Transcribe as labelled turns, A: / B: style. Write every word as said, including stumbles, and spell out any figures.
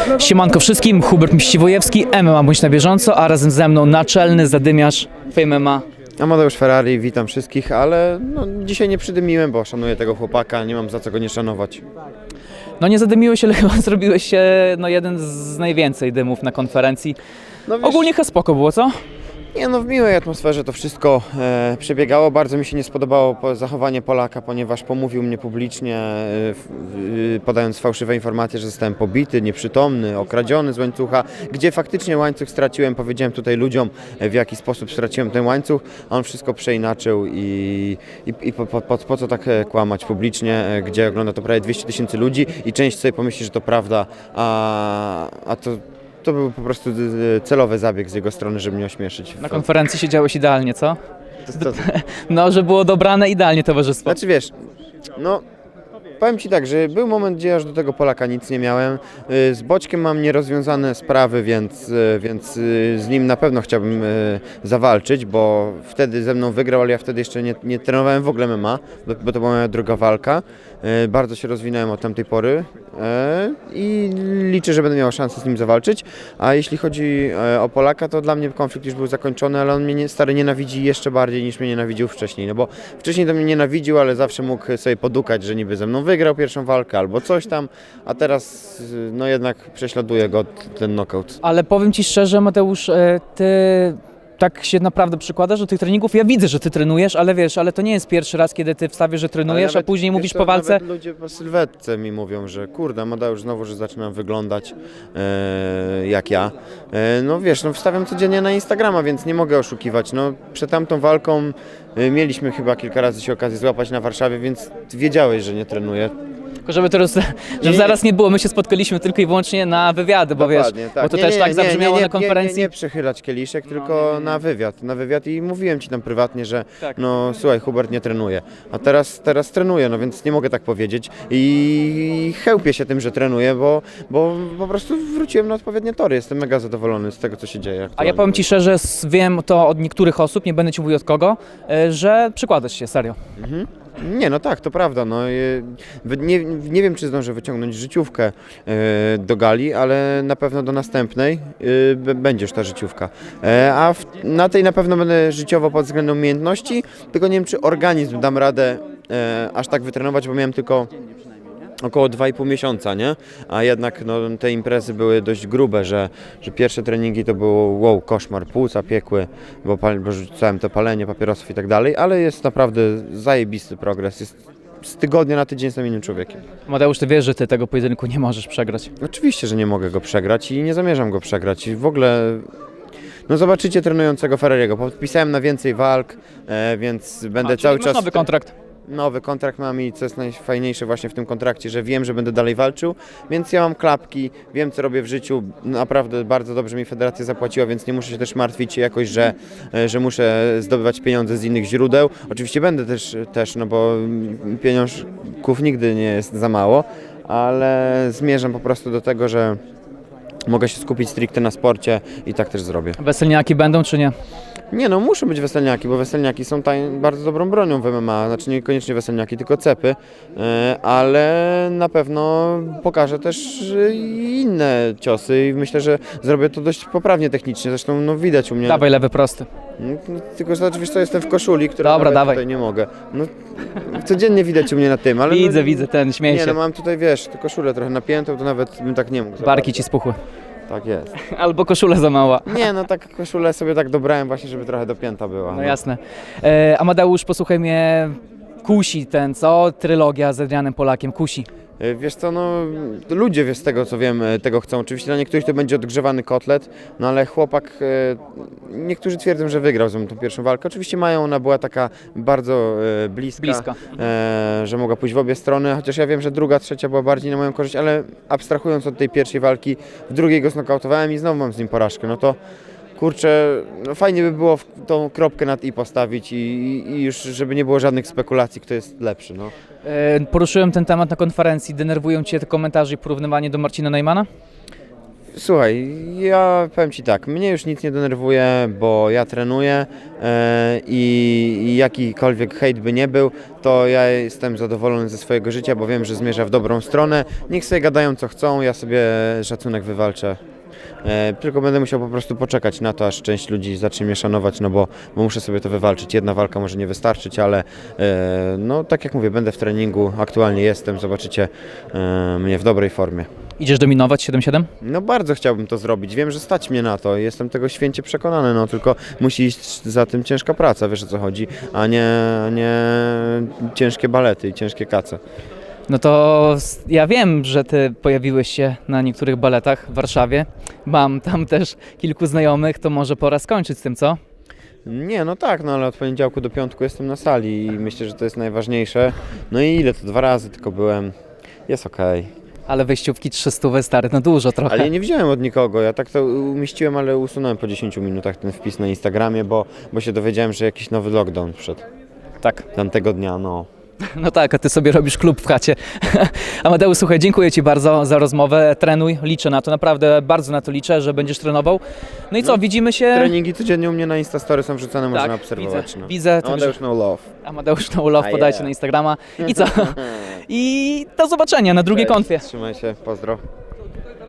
A: Siemanko wszystkim, Hubert Miściwojewski, M M A Bądź na bieżąco, a razem ze mną naczelny zadymiarz Fame M M A.
B: Amadeusz Ferrari, witam wszystkich, ale no, dzisiaj nie przydymiłem, bo szanuję tego chłopaka, nie mam za co go nie szanować.
A: No nie zadymiłeś, ale chyba zrobiłeś się no, jeden z najwięcej dymów na konferencji.
B: No, wiesz,
A: Ogólnie chyba spoko było, co?
B: Nie no, w miłej atmosferze to wszystko e, przebiegało. Bardzo mi się nie spodobało po, zachowanie Polaka, ponieważ pomówił mnie publicznie, e, w, e, podając fałszywe informacje, że zostałem pobity, nieprzytomny, okradziony z łańcucha, gdzie faktycznie łańcuch straciłem. Powiedziałem tutaj ludziom, e, w jaki sposób straciłem ten łańcuch, a on wszystko przeinaczył i, i, i po, po, po, po co tak e, kłamać publicznie, e, gdzie ogląda to prawie dwieście tysięcy ludzi i część sobie pomyśli, że to prawda, a, a to... To był po prostu celowy zabieg z jego strony, żeby mnie ośmieszyć.
A: Na konferencji siedziałeś idealnie, co?
B: To, to,
A: No, że było dobrane idealnie towarzystwo.
B: Znaczy wiesz, no powiem Ci tak, że był moment, gdzie aż do tego Polaka nic nie miałem. Z Boćkiem mam nierozwiązane sprawy, więc, więc z nim na pewno chciałbym zawalczyć, bo wtedy ze mną wygrał, ale ja wtedy jeszcze nie, nie trenowałem w ogóle M M A, bo, bo to była moja druga walka. Bardzo się rozwinąłem od tamtej pory i liczę, że będę miał szansę z nim zawalczyć. A jeśli chodzi o Polaka, to dla mnie konflikt już był zakończony, ale on mnie nie, stary nienawidzi jeszcze bardziej niż mnie nienawidził wcześniej. No bo wcześniej to mnie nienawidził, ale zawsze mógł sobie podukać, że niby ze mną wygrał pierwszą walkę albo coś tam, a teraz no jednak prześladuje go ten knockout.
A: Ale powiem Ci szczerze, Mateusz, Ty tak się naprawdę przykładasz do tych treningów. Ja widzę, że Ty trenujesz, ale wiesz, ale to nie jest pierwszy raz, kiedy Ty wstawisz, że trenujesz,
B: nawet,
A: a później mówisz
B: co,
A: po walce...
B: Nawet ludzie po sylwetce mi mówią, że kurde, Amadeusz znowu, że zaczynam wyglądać e, jak ja. E, no wiesz, no wstawiam codziennie na Instagrama, więc nie mogę oszukiwać. No przed tamtą walką e, mieliśmy chyba kilka razy się okazję złapać na Warszawie, więc wiedziałeś, że nie trenuję.
A: Tylko żeby teraz, żeby
B: nie,
A: zaraz nie było, my się spotkaliśmy tylko i wyłącznie na wywiady, bo
B: Dokładnie,
A: wiesz,
B: tak.
A: bo to
B: nie,
A: też
B: nie,
A: tak
B: nie,
A: zabrzmiało
B: nie, nie,
A: na konferencji.
B: Nie, nie, nie przechylać kieliszek, tylko
A: nie, nie.
B: na wywiad, na wywiad i mówiłem Ci tam prywatnie, że
A: Tak.
B: no słuchaj, Hubert nie trenuje, a teraz, teraz trenuję, no więc nie mogę tak powiedzieć i chełpię się tym, że trenuję, bo, bo po prostu wróciłem na odpowiednie tory, jestem mega zadowolony z tego, co się dzieje
A: A
B: aktualnie.
A: ja powiem Ci szczerze, s- wiem to od niektórych osób, nie będę Ci mówił od kogo, e, że przykładasz się, serio.
B: Mhm. Nie, no tak, to prawda. No, y, wy- nie, nie wiem, czy zdążę wyciągnąć życiówkę y, do gali, ale na pewno do następnej y, b- będzie już ta życiówka. E, a w, na tej na pewno będę życiowo pod względem umiejętności, tylko nie wiem, czy organizm dam radę e, aż tak wytrenować, bo miałem tylko około dwa i pół miesiąca, nie? A jednak no, te imprezy były dość grube, że, że pierwsze treningi to było wow, koszmar, płuca piekły, bo, pal, bo rzucałem to palenie papierosów i tak dalej, ale jest naprawdę zajebisty progres. Jest, z tygodnia na tydzień jestem innym człowiekiem.
A: Mateusz, Ty wiesz, że Ty tego pojedynku nie możesz przegrać.
B: Oczywiście, że nie mogę go przegrać i nie zamierzam go przegrać. I w ogóle no zobaczycie trenującego Ferrariego. Podpisałem na więcej walk, e, więc będę
A: A,
B: cały
A: czyli masz
B: czas...
A: nowy kontrakt.
B: Nowy kontrakt mam i co jest najfajniejsze właśnie w tym kontrakcie, że wiem, że będę dalej walczył, więc ja mam klapki, wiem co robię w życiu, naprawdę bardzo dobrze mi federacja zapłaciła, więc nie muszę się też martwić jakoś, że, że muszę zdobywać pieniądze z innych źródeł. Oczywiście będę też, też no bo pieniążków nigdy nie jest za mało, ale zmierzam po prostu do tego, że mogę się skupić stricte na sporcie i tak też zrobię.
A: Weselniaki będą czy nie?
B: Nie no, muszą być weselniaki, bo weselniaki są taj, bardzo dobrą bronią w M M A, znaczy niekoniecznie weselniaki, tylko cepy, e, ale na pewno pokażę też e, inne ciosy i myślę, że zrobię to dość poprawnie technicznie, zresztą no widać u mnie.
A: Dawaj lewy prosty.
B: No, tylko, że oczywiście jestem w koszuli, która
A: Dobra,
B: nawet
A: dawaj.
B: tutaj nie mogę. No, codziennie widać u mnie na tym, ale...
A: Widzę,
B: no,
A: widzę, ten, śmieję
B: Nie
A: się.
B: no, mam tutaj, wiesz, tę koszulę trochę napiętą, to nawet bym tak nie mógł. za
A: Barki
B: bardzo.
A: Ci spuchły.
B: Tak jest.
A: Albo koszula za mała.
B: Nie no, tak koszulę sobie tak dobrałem właśnie, żeby trochę dopięta była.
A: No jasne. E, Amadeusz, posłuchaj mnie, kusi ten, co? Trylogia z Adrianem Polakiem, kusi.
B: E, Wiesz co, no ludzie wiesz, z tego co wiem, e, tego chcą. Oczywiście dla niektórych to będzie odgrzewany kotlet, no ale chłopak, e, niektórzy twierdzą, że wygrał ze mną tą pierwszą walkę. Oczywiście mają, ona była taka bardzo e, bliska,
A: Bliska.
B: E, że mogła pójść w obie strony, chociaż ja wiem, że druga, trzecia była bardziej na moją korzyść, ale abstrahując od tej pierwszej walki, w drugiej go znokautowałem i znowu mam z nim porażkę, no to kurczę, no fajnie by było w tą kropkę nad i postawić i, i już, żeby nie było żadnych spekulacji, kto jest lepszy, no.
A: E, poruszyłem ten temat na konferencji, denerwują Cię te komentarze i porównywanie do Marcina Neumana?
B: Słuchaj, ja powiem Ci tak, mnie już nic nie denerwuje, bo ja trenuję e, i, i jakikolwiek hejt by nie był, to ja jestem zadowolony ze swojego życia, bo wiem, że zmierza w dobrą stronę. Niech sobie gadają co chcą, ja sobie szacunek wywalczę. E, tylko będę musiał po prostu poczekać na to, aż część ludzi zacznie mnie szanować, no bo, bo muszę sobie to wywalczyć. Jedna walka może nie wystarczyć, ale e, no tak jak mówię, będę w treningu, aktualnie jestem, zobaczycie e, mnie w dobrej formie.
A: Idziesz dominować siedem siedem?
B: No bardzo chciałbym to zrobić, wiem, że stać mnie na to, jestem tego święcie przekonany, no tylko musi iść za tym ciężka praca, wiesz o co chodzi, a nie, nie ciężkie balety i ciężkie kace.
A: No to s- ja wiem, że ty pojawiłeś się na niektórych baletach w Warszawie. Mam tam też kilku znajomych, to może pora skończyć z tym, co?
B: Nie, no tak, no ale od poniedziałku do piątku jestem na sali i myślę, że to jest najważniejsze. No i ile to, dwa razy tylko byłem, jest okej.
A: Ale wejściówki trzysta stary, no dużo trochę.
B: Ale ja nie wziąłem od nikogo, ja tak to umieściłem, ale usunąłem po dziesięciu minutach ten wpis na Instagramie, bo, bo się dowiedziałem, że jakiś nowy lockdown wszedł
A: Tak.
B: tamtego dnia, no.
A: No tak, a ty sobie robisz klub w chacie. Amadeusz, słuchaj, dziękuję ci bardzo za rozmowę. Trenuj, liczę na to, naprawdę bardzo na to liczę, że będziesz trenował. No i co,
B: No,
A: widzimy się...
B: Treningi codziennie u mnie na Instastory są wrzucane, można
A: Tak,
B: obserwować.
A: widzę,
B: no.
A: widzę, także-
B: Amadeusz No Love.
A: Amadeusz No Love,
B: A
A: podajcie
B: yeah.
A: na Instagrama. I co? I do zobaczenia na drugiej
B: Cześć,
A: konfie.
B: Trzymaj się, pozdro.